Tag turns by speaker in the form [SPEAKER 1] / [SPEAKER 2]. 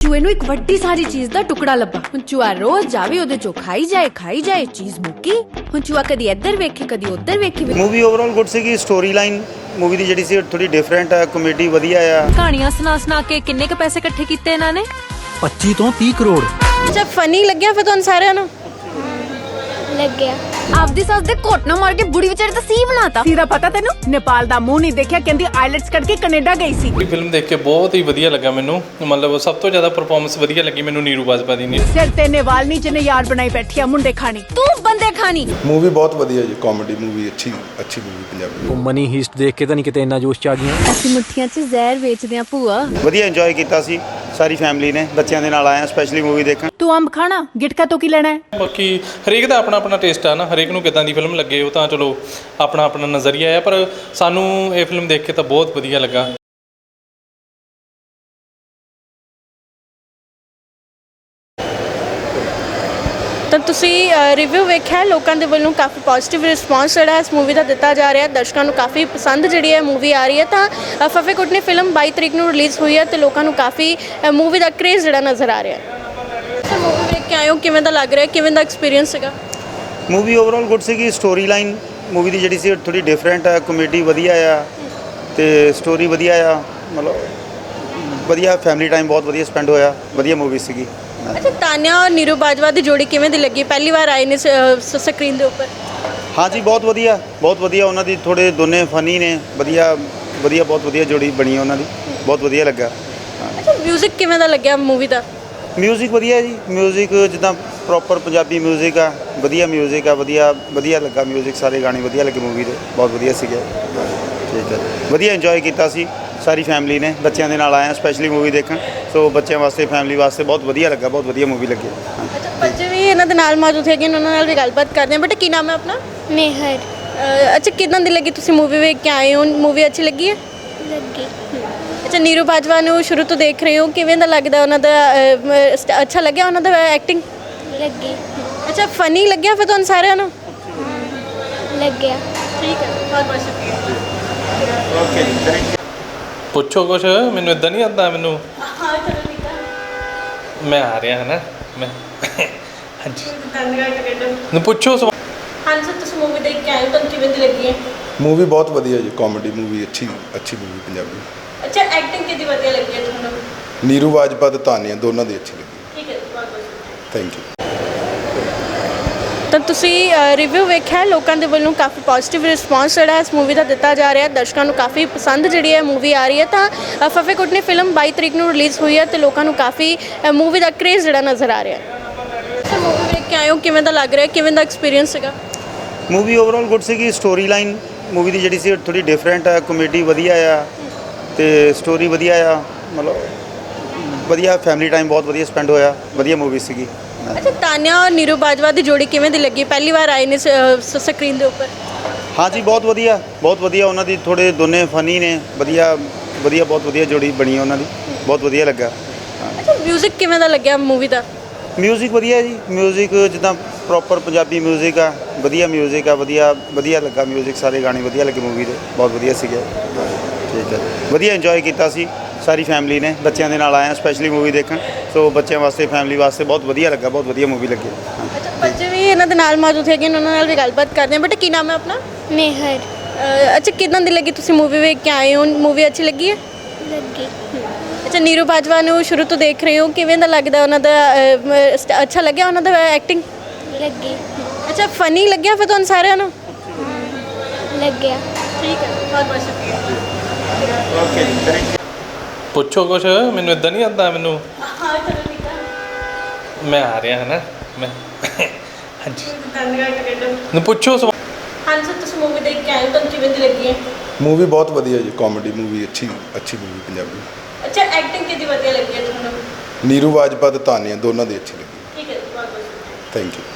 [SPEAKER 1] ਚੂਹੇ ਨੂੰ ਇੱਕ ਵੱਡੀ ਸਾਰੀ ਚੀਜ਼ ਦਾ ਟੁਕੜਾ ਲੱਭਾ। ਹੁਣ ਚੂਹਾ ਰੋਜ਼ ਜਾਵੇ ਉਹਦੇ ਚੋਂ ਖਾਈ ਜਾਏ ਚੀਜ਼ ਮੁੱਕੀ। ਹੁਣ ਚੂਹਾ ਕਦੀ ਇੱਧਰ ਵੇਖੇ ਕਦੀ ਉੱਧਰ ਵੇਖੇ।
[SPEAKER 2] मूवी ओवरऑल गुड ਸੀਗੀ। स्टोरी लाइन मूवी ਦੀ ਜਿਹੜੀ ਸੀ ਥੋੜੀ ਡਿਫਰੈਂਟ ਹੈ, ਕਮੇਡੀ ਵਧੀਆ ਆ।
[SPEAKER 1] ਕਹਾਣੀਆਂ ਸੁਣਾ ਕੇ ਕਿੰਨੇ ਕ ਪੈਸੇ ਇਕੱਠੇ ਕੀਤੇ ਇਹਨਾਂ ਨੇ?
[SPEAKER 3] 25 ਤੋਂ 30 ਕਰੋੜ।
[SPEAKER 4] ਅੱਛਾ ਫਨੀ ਲੱਗਿਆ ਫਿਰ ਤੁਹਾਨੂੰ ਸਾਰਿਆਂ ਨੂੰ?
[SPEAKER 5] ਲੱਗਿਆ।
[SPEAKER 1] ਆਪਦੀ ਸੱਸ ਦੇ ਘੋਟ ਨਾ ਮਾਰ ਕੇ ਬੁੜੀ ਵਿਚਾਰੀ ਤਾਂ ਸੀ ਬਣਾਤਾ।
[SPEAKER 6] ਸੀਰਾ ਪਤਾ ਤੈਨੂੰ? ਨੇਪਾਲ ਦਾ ਮੂੰਹ ਨਹੀਂ ਦੇਖਿਆ, ਕਹਿੰਦੀ ਆਈਲੈਟਸ ਕਰਕੇ ਕੈਨੇਡਾ ਗਈ ਸੀ।
[SPEAKER 7] ਫਿਲਮ ਦੇਖ ਕੇ ਬਹੁਤ ਹੀ ਵਧੀਆ ਲੱਗਾ ਮੈਨੂੰ। ਮਤਲਬ ਸਭ ਤੋਂ ਜ਼ਿਆਦਾ ਪਰਫਾਰਮੈਂਸ ਵਧੀਆ ਲੱਗੀ ਮੈਨੂੰ ਨੀਰੂ ਬਾਜਵਾ ਦੀ।
[SPEAKER 6] ਸਿਰ ਤੇ ਨੇਵਾਲਨੀ ਜਿਹਨੇ ਯਾਰ ਬਣਾਈ ਬੈਠੀ ਆ ਮੁੰਡੇ ਖਾਣੀ।
[SPEAKER 1] ਤੂੰ ਬੰਦੇ ਖਾਣੀ।
[SPEAKER 8] मूवी बहुत ਵਧੀਆ ਜੀ, ਕਾਮੇਡੀ मूवी अच्छी मूवी ਪੰਜਾਬੀ।
[SPEAKER 3] ਉਹ ਮਨੀ ਹੀਸਟ ਦੇਖ ਕੇ ਤਾਂ ਨਹੀਂ ਕਿਤੇ ਇੰਨਾ ਜੋਸ਼ ਚ ਆ ਗਈਆਂ।
[SPEAKER 1] ਅਸੀਂ ਮੁੱਠੀਆਂ 'ਚ ਜ਼ਹਿਰ ਵੇਚਦੇ ਆ ਭੂਆ।
[SPEAKER 2] ਵਧੀਆ ਇੰਜੋਏ ਕੀਤਾ ਸੀ ਸਾਰੀ ਫੈਮਿਲੀ ਨੇ, ਬੱਚਿਆਂ ਦੇ ਨਾਲ ਆਏ ਆ ਸਪੈਸ਼ਲੀ मूवी ਦੇਖਣ।
[SPEAKER 6] ਤੂੰ ਅੰਬ ਖਾਣਾ, ਗਿਟਕਾ ਤੋਂ ਕੀ ਲੈਣਾ ਹੈ?
[SPEAKER 7] ਬਾਕੀ ਹਰੇਕ ਦਾ ਆਪਣਾ ਆਪਣਾ ਟੇਸਟ ਆ ਨਾ, ਹਰੇਕ ਨੂੰ ਕਿੱਦਾਂ ਦੀ ਫਿਲਮ ਲੱਗੇ ਉਹ ਤਾਂ ਚਲੋ ਆਪਣਾ ਆਪਣਾ ਨਜ਼ਰੀਆ ਆ, ਪਰ ਸਾਨੂੰ ਇਹ ਫਿਲਮ ਦੇਖ ਕੇ ਤਾਂ ਬਹੁਤ ਵਧੀਆ ਲੱਗਾ।
[SPEAKER 4] ਤਾਂ ਤੁਸੀਂ ਰਿਵਿਊ ਵੇਖਿਆ, ਲੋਕਾਂ ਦੇ ਵੱਲੋਂ ਕਾਫੀ ਪੋਜ਼ਿਟਿਵ ਰਿਸਪੌਂਸ ਜਿਹੜਾ ਇਸ ਮੂਵੀ ਦਾ ਦਿੱਤਾ ਜਾ ਰਿਹਾ। ਦਰਸ਼ਕਾਂ ਨੂੰ ਕਾਫੀ ਪਸੰਦ ਜਿਹੜੀ ਹੈ ਮੂਵੀ ਆ ਰਹੀ ਹੈ। ਤਾਂ ਫਫੇ ਕੁੱਟਣੀ ਫਿਲਮ 22 ਤਰੀਕ ਨੂੰ ਰਿਲੀਜ਼ ਹੋਈ ਹੈ ਤੇ ਲੋਕਾਂ ਨੂੰ ਕਾਫੀ ਮੂਵੀ ਦਾ ਕ੍ਰੇਜ਼ ਜਿਹੜਾ ਨਜ਼ਰ ਆ ਰਿਹਾ ਹੈ। ਮੂਵੀ ਵੇਖ ਕੇ ਆਏ ਹੋ, ਕਿਵੇਂ ਦਾ ਲੱਗ ਰਿਹਾ, ਕਿਵੇਂ ਦਾ ਐਕਸਪੀਰੀਅੰਸ ਸੀਗਾ?
[SPEAKER 2] मूवी ओवरऑल गुड ਸੀਗੀ। स्टोरी लाइन मूवी ਦੀ ਜਿਹੜੀ ਸੀ ਥੋੜੀ ਡਿਫਰੈਂਟ ਹੈ, ਕਮੇਡੀ ਵਧੀਆ ਆ ਤੇ ਸਟੋਰੀ ਵਧੀਆ ਆ। ਮਤਲਬ ਵਧੀਆ ਫੈਮਿਲੀ ਟਾਈਮ ਬਹੁਤ ਵਧੀਆ ਸਪੈਂਡ ਹੋਇਆ। ਵਧੀਆ ਮੂਵੀ ਸੀਗੀ।
[SPEAKER 4] ਅੱਛਾ ਤਾਨਿਆ ਔਰ ਨੀਰੂ ਬਾਜਵਾ ਦੀ ਜੋੜੀ ਕਿਵੇਂ ਦੀ ਲੱਗੀ? ਪਹਿਲੀ ਵਾਰ ਆਏ ਨੇ ਸਕਰੀਨ ਦੇ ਉੱਪਰ।
[SPEAKER 2] ਹਾਂਜੀ ਬਹੁਤ ਵਧੀਆ ਉਹਨਾਂ ਦੀ ਥੋੜੇ ਦੋਨੇ ਫਨੀ ਨੇ। ਵਧੀਆ ਬਹੁਤ ਵਧੀਆ ਜੋੜੀ ਬਣੀ ਹੈ ਉਹਨਾਂ ਦੀ, ਬਹੁਤ ਵਧੀਆ ਲੱਗਾ।
[SPEAKER 4] ਅੱਛਾ ਮਿਊਜ਼ਿਕ ਕਿਵੇਂ ਦਾ ਲੱਗਿਆ ਮੂਵੀ ਦਾ?
[SPEAKER 2] ਮਿਊਜ਼ਿਕ ਵਧੀਆ ਜੀ, ਮਿਊਜ਼ਿਕ ਜਿੱਦਾਂ ਪ੍ਰੋਪਰ ਪੰਜਾਬੀ ਮਿਊਜ਼ਿਕ ਆ, ਵਧੀਆ ਮਿਊਜ਼ਿਕ ਆ, ਵਧੀਆ ਲੱਗਾ ਮਿਊਜ਼ਿਕ। ਸਾਰੇ ਗਾਣੇ ਵਧੀਆ ਲੱਗੇ ਮੂਵੀ ਦੇ, ਬਹੁਤ ਵਧੀਆ ਸੀਗੇ। ਠੀਕ ਹੈ, ਵਧੀਆ ਇੰਜੋਏ ਕੀਤਾ ਸੀ ਸਾਰੀ ਫੈਮਿਲੀ ਨੇ, ਬੱਚਿਆਂ ਦੇ ਨਾਲ ਆਏ ਆ ਸਪੈਸ਼ਲੀ ਮੂਵੀ ਦੇਖਣ। ਸੋ ਬੱਚਿਆਂ ਵਾਸਤੇ ਫੈਮਿਲੀ ਵਾਸਤੇ ਬਹੁਤ ਵਧੀਆ ਲੱਗਾ, ਬਹੁਤ ਵਧੀਆ ਮੂਵੀ ਲੱਗੀ।
[SPEAKER 4] ਅੱਛਾ ਬੱਚੇ ਵੀ ਇਹਨਾਂ ਦੇ ਨਾਲ ਮੌਜੂਦ ਹੈਗੇ, ਉਹਨਾਂ ਨਾਲ ਵੀ ਗੱਲਬਾਤ ਕਰਦੇ ਹਾਂ। ਬੇਟਾ ਕੀ ਨਾਮ ਹੈ ਆਪਣਾ?
[SPEAKER 5] ਮੇਹਰ।
[SPEAKER 4] ਅੱਛਾ ਕਿੱਦਾਂ ਦੀ ਲੱਗੀ? ਤੁਸੀਂ ਮੂਵੀ ਵੇਖ ਕੇ ਆਏ ਹੋ, ਮੂਵੀ ਅੱਛੀ ਲੱਗੀ ਹੈ?
[SPEAKER 5] ਲੱਗੀ।
[SPEAKER 4] ਅੱਛਾ ਨੀਰੂ ਬਾਜਵਾ ਨੂੰ ਸ਼ੁਰੂ ਤੋਂ ਦੇਖ ਰਹੇ ਹੋ, ਕਿਵੇਂ ਦਾ ਲੱਗਦਾ ਉਹਨਾਂ ਦਾ? ਅੱਛਾ ਲੱਗਿਆ ਉਹਨਾਂ ਦਾ ਐਕਟਿੰਗ?
[SPEAKER 5] ਲੱਗੀ।
[SPEAKER 4] ਅੱਛਾ ਫਨੀ ਲੱਗਿਆ ਫਿਰ ਤੁਹਾਨੂੰ ਸਾਰਿਆਂ ਨੂੰ?
[SPEAKER 5] ਲੱਗਿਆ।
[SPEAKER 4] ਠੀਕ ਹੈ, ਬਹੁਤ ਬਹੁਤ ਸ਼ੁਕਰੀਆ।
[SPEAKER 2] ਓਕੇ ਜੀ, ਥੈਂਕ ਯੂ।
[SPEAKER 7] ਪੁੱਛੋ ਕੁਛ, ਮੈਨੂੰ ਇਦਾਂ ਨਹੀਂ ਆਉਂਦਾ ਮੈਨੂੰ।
[SPEAKER 4] ਹਾਂ ਚਲੋ ਠੀਕ ਹੈ।
[SPEAKER 7] ਮੈਂ ਆ ਰਿਹਾ ਹੈ ਨਾ ਮੈਂ ਹਾਂਜੀ
[SPEAKER 4] ਧੰਨਵਾਦ।
[SPEAKER 7] ਨੂੰ ਪੁੱਛੋ ਸਵਾਲ।
[SPEAKER 4] ਹਾਂਜੀ ਸਰ ਤੁਸੀਂ ਮੂਵੀ ਦੇਖ ਕੇ ਆਏ ਹੋ, ਤੁਹਾਨੂੰ ਕਿਵੇਂ ਦੀ ਲੱਗੀ ਹੈ?
[SPEAKER 8] मूवी बहुत ਵਧੀਆ ਜੀ, ਕਾਮੇਡੀ मूवी अच्छी मूवी ਪੰਜਾਬੀ।
[SPEAKER 4] ਅੱਛਾ ਐਕਟਿੰਗ ਕਿਹਦੀ ਵਧੀਆ ਲੱਗੀ ਹੈ ਤੁਹਾਨੂੰ?
[SPEAKER 8] ਨੀਰੂ ਬਾਜਵਾ ਤੇ ਤਾਨੀਆ ਦੋਨਾਂ ਦੀ ਅੱਛੀ ਲੱਗੀ।
[SPEAKER 4] ਠੀਕ ਹੈ, ਬਹੁਤ ਬਹੁਤ ਸ਼ੁਕਰੀਆ।
[SPEAKER 8] Thank you.
[SPEAKER 4] ਤਾਂ ਤੁਸੀਂ ਰਿਵਿਊ ਵੇਖਿਆ, ਲੋਕਾਂ ਦੇ ਵੱਲੋਂ ਕਾਫੀ ਪੋਜ਼ਿਟਿਵ ਰਿਸਪੌਂਸ ਜਿਹੜਾ ਇਸ ਮੂਵੀ ਦਾ ਦਿੱਤਾ ਜਾ ਰਿਹਾ। ਦਰਸ਼ਕਾਂ ਨੂੰ ਕਾਫੀ ਪਸੰਦ ਜਿਹੜੀ ਹੈ ਮੂਵੀ ਆ ਰਹੀ ਹੈ। ਤਾਂ ਫਫੇ ਕੁੱਟਣੀ ਫਿਲਮ 22 ਤਰੀਕ ਨੂੰ ਰਿਲੀਜ਼ ਹੋਈ ਹੈ ਤੇ ਲੋਕਾਂ ਨੂੰ ਕਾਫੀ ਮੂਵੀ ਦਾ ਕ੍ਰੇਜ਼ ਜਿਹੜਾ ਨਜ਼ਰ ਆ ਰਿਹਾ ਹੈ। ਮੂਵੀ ਵੇਖ ਕੇ ਆਏ ਹੋ, ਕਿਵੇਂ ਦਾ ਲੱਗ ਰਿਹਾ, ਕਿਵੇਂ ਦਾ ਐਕਸਪੀਰੀਅੰਸ ਸੀਗਾ?
[SPEAKER 2] मूवी ओवरऑल गुड ਸੀਗੀ। स्टोरी लाइन मूवी ਦੀ ਜਿਹੜੀ ਸੀ ਥੋੜੀ ਡਿਫਰੈਂਟ ਹੈ, ਕਮੇਡੀ ਵਧੀਆ ਆ ਤੇ ਸਟੋਰੀ ਵਧੀਆ ਆ। ਮਤਲਬ ਵਧੀਆ ਫੈਮਿਲੀ ਟਾਈਮ ਬਹੁਤ ਵਧੀਆ ਸਪੈਂਡ ਹੋਇਆ। ਵਧੀਆ ਮੂਵੀ ਸੀਗੀ।
[SPEAKER 4] ਅੱਛਾ ਤਾਨਿਆ ਔਰ ਨੀਰੂ ਬਾਜਵਾ ਦੀ ਜੋੜੀ ਕਿਵੇਂ ਦੀ ਲੱਗੀ? ਪਹਿਲੀ ਵਾਰ ਆਏ ਨੇ ਸਕਰੀਨ ਦੇ ਉੱਪਰ।
[SPEAKER 2] ਹਾਂਜੀ ਬਹੁਤ ਵਧੀਆ ਉਹਨਾਂ ਦੀ ਥੋੜੇ ਦੋਨੇ ਫਨੀ ਨੇ। ਵਧੀਆ ਬਹੁਤ ਵਧੀਆ ਜੋੜੀ ਬਣੀ ਹੈ ਉਹਨਾਂ ਦੀ, ਬਹੁਤ ਵਧੀਆ ਲੱਗਾ।
[SPEAKER 4] ਅੱਛਾ ਮਿਊਜ਼ਿਕ ਕਿਵੇਂ ਦਾ ਲੱਗਿਆ ਮੂਵੀ ਦਾ?
[SPEAKER 2] ਮਿਊਜ਼ਿਕ ਵਧੀਆ ਜੀ, ਮਿਊਜ਼ਿਕ ਜਿੱਦਾਂ ਪ੍ਰੋਪਰ ਪੰਜਾਬੀ ਮਿਊਜ਼ਿਕ ਆ, ਵਧੀਆ ਮਿਊਜ਼ਿਕ ਆ। ਵਧੀਆ ਲੱਗਾ ਮਿਊਜ਼ਿਕ। ਸਾਰੇ ਗਾਣੇ ਵਧੀਆ ਲੱਗੇ ਮੂਵੀ ਦੇ, ਬਹੁਤ ਵਧੀਆ ਸੀਗੇ। ਠੀਕ ਹੈ, ਵਧੀਆ ਇੰਜੋਏ ਕੀਤਾ ਸੀ ਸਾਰੀ ਫੈਮਿਲੀ ਨੇ, ਬੱਚਿਆਂ ਦੇ ਨਾਲ ਆਏ ਆ ਸਪੈਸ਼ਲੀ ਮੂਵੀ ਦੇਖਣ। ਸੋ ਬੱਚਿਆਂ ਵਾਸਤੇ ਫੈਮਿਲੀ ਵਾਸਤੇ ਬਹੁਤ ਵਧੀਆ ਲੱਗਾ, ਬਹੁਤ ਵਧੀਆ ਮੂਵੀ ਲੱਗੀ।
[SPEAKER 4] ਅੱਛਾ ਬੱਚੇ ਵੀ ਇਹਨਾਂ ਦੇ ਨਾਲ ਮੌਜੂਦ ਹੈਗੇ, ਉਹਨਾਂ ਨਾਲ ਵੀ ਗੱਲਬਾਤ ਕਰਦੇ ਹਾਂ। ਬੇਟਾ ਕੀ ਨਾਮ ਹੈ ਆਪਣਾ?
[SPEAKER 5] ਮੇਹਰ।
[SPEAKER 4] ਅੱਛਾ ਕਿੱਦਾਂ ਦੀ ਲੱਗੀ? ਤੁਸੀਂ ਮੂਵੀ ਵੇਖ ਕੇ ਆਏ ਹੋ, ਮੂਵੀ ਅੱਛੀ ਲੱਗੀ ਹੈ?
[SPEAKER 5] ਲੱਗੀ।
[SPEAKER 4] ਅੱਛਾ ਨੀਰੂ ਬਾਜਵਾ ਨੂੰ ਸ਼ੁਰੂ ਤੋਂ ਦੇਖ ਰਹੇ ਹੋ, ਕਿਵੇਂ ਦਾ ਲੱਗਦਾ ਉਹਨਾਂ ਦਾ? ਅੱਛਾ ਲੱਗਿਆ ਉਹਨਾਂ ਦਾ ਐਕਟਿੰਗ?
[SPEAKER 5] ਲੱਗੀ।
[SPEAKER 4] ਅੱਛਾ ਫਨੀ ਲੱਗਿਆ ਫਿਰ ਤੁਹਾਨੂੰ ਸਾਰਿਆਂ ਨੂੰ?
[SPEAKER 5] ਲੱਗਿਆ।
[SPEAKER 4] ਠੀਕ ਹੈ, ਬਹੁਤ ਬਹੁਤ ਸ਼ੁਕਰੀਆ।
[SPEAKER 2] ਓਕੇ ਜੀ, ਥੈਂਕ ਯੂ।
[SPEAKER 7] ਪੁੱਛੋ ਕੁਛ, ਮੈਨੂੰ ਇਦਾਂ ਨਹੀਂ ਆਉਂਦਾ ਮੈਨੂੰ।
[SPEAKER 4] ਹਾਂ ਚਲੋ ਠੀਕ ਹੈ।
[SPEAKER 7] ਮੈਂ ਆ ਰਿਹਾ ਹੈ ਨਾ ਮੈਂ ਹਾਂਜੀ
[SPEAKER 4] ਧੰਨਵਾਦ।
[SPEAKER 7] ਨੂੰ ਪੁੱਛੋ ਸਵਾਲ।
[SPEAKER 4] ਹਾਂਜੀ ਸਰ ਤੁਸੀਂ ਮੂਵੀ ਦੇਖ ਕੇ ਆਏ ਹੋ, ਤੁਹਾਨੂੰ ਕਿਵੇਂ ਦੀ ਲੱਗੀ ਹੈ?
[SPEAKER 8] मूवी बहुत ਵਧੀਆ ਜੀ, ਕਾਮੇਡੀ मूवी अच्छी मूवी ਪੰਜਾਬੀ।
[SPEAKER 4] ਅੱਛਾ ਐਕਟਿੰਗ ਕਿਹਦੀ ਵਧੀਆ ਲੱਗੀ ਹੈ ਤੁਹਾਨੂੰ?
[SPEAKER 8] ਨੀਰੂ ਬਾਜਵਾ ਤੇ ਤਾਨੀਆ ਦੋਨਾਂ ਦੀ ਅੱਛੀ ਲੱਗੀ।
[SPEAKER 4] ਠੀਕ ਹੈ, ਬਹੁਤ ਬਹੁਤ ਸ਼ੁਕਰੀਆ।
[SPEAKER 8] Thank you.